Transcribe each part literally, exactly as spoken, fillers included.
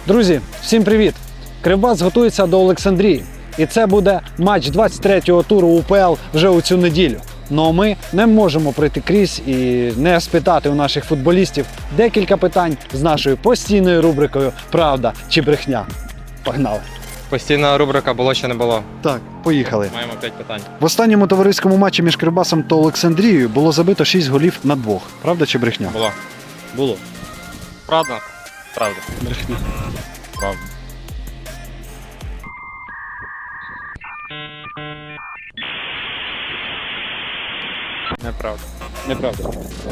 Друзі, всім привіт! Кривбас готується до Олександрії. І це буде матч двадцять третього туру УПЛ вже у цю неділю. Ну а ми не можемо пройти крізь і не спитати у наших футболістів декілька питань з нашою постійною рубрикою «Правда чи брехня». Погнали! Постійна рубрика «Було чи не було». Так, поїхали. Маємо п'ять питань. В останньому товариському матчі між Кривбасом та Олександрією було забито шість голів на двох. Правда чи брехня? Було. Було. Правда? Правда. Брехня. Правда. Неправда. Неправда.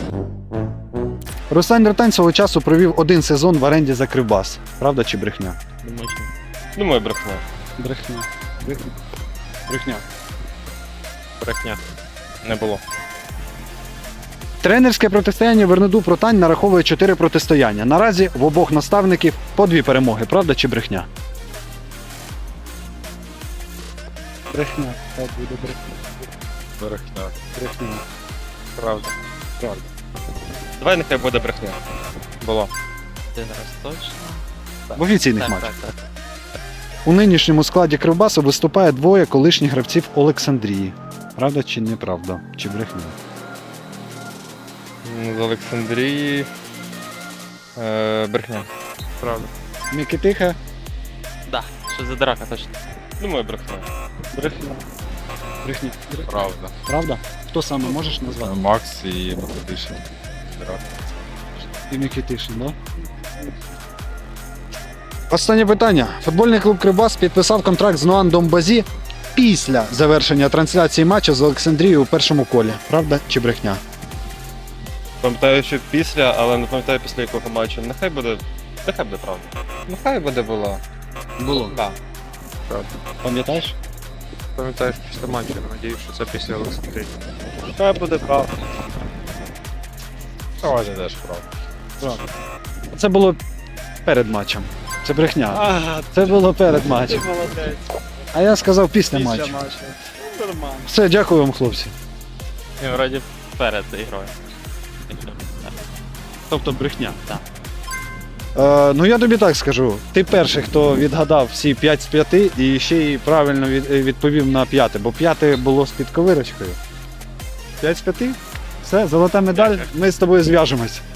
Руслан Дратань свого часу провів один сезон в оренді за Кривбас. Правда чи брехня? Думаю, що ні. Думаю, брехня. Брехня. Брехня. Брехня. Брехня. Не було. Тренерське протистояння Вернеду-Протань нараховує чотири протистояння. Наразі в обох наставників по дві перемоги. Правда чи брехня? Брехня. Так буде брехня. Брехня. Брехня. Правда. Правда. Давай нехай буде брехня. Було. Один раз точно. В офіційних Так, матчах. так, так. У нинішньому складі Кривбасу виступає двоє колишніх гравців Олександрії. Правда чи неправда? Чи брехня? М, З Олександрії. Е, брехня. Правда. Микитиха. Да, що за драка точно. Думаю, брехня. Брехня. Брехня. Правда. Правда? Хто саме можеш назвати? Макс і Микитишин. І Микитишин, да? Останнє питання. Футбольний клуб Кривбас підписав контракт з Нуан Домбазі після завершення трансляції матчу з Олександрією у першому колі. Правда чи брехня? Пам'ятаю, що після, але не пам'ятаю після якого матчу. Нехай буде. Нехай буде правда. Нехай буде було. Було. Так. Правда. Пам'ятаєш? Пам'ятаю, що після матчу, надіюсь, що це після Олександрії. Нехай буде правда. Сьогодні теж правда. Правда. Це було перед матчем. Це брехня. Ага, Це було перед матчем. молодець. А я сказав після, матчу. Нормально. Все, дякую вам, хлопці. Ні, вроді перед ігрою. Тобто брехня. Так. Е, ну я тобі так скажу. Ти перший, хто відгадав всі п'ять з п'яти і ще й правильно від, відповів на п'яте, бо п'яте було з підковирочкою. п'ять з п'яти? Все, золота медаль, ми з тобою зв'яжемось.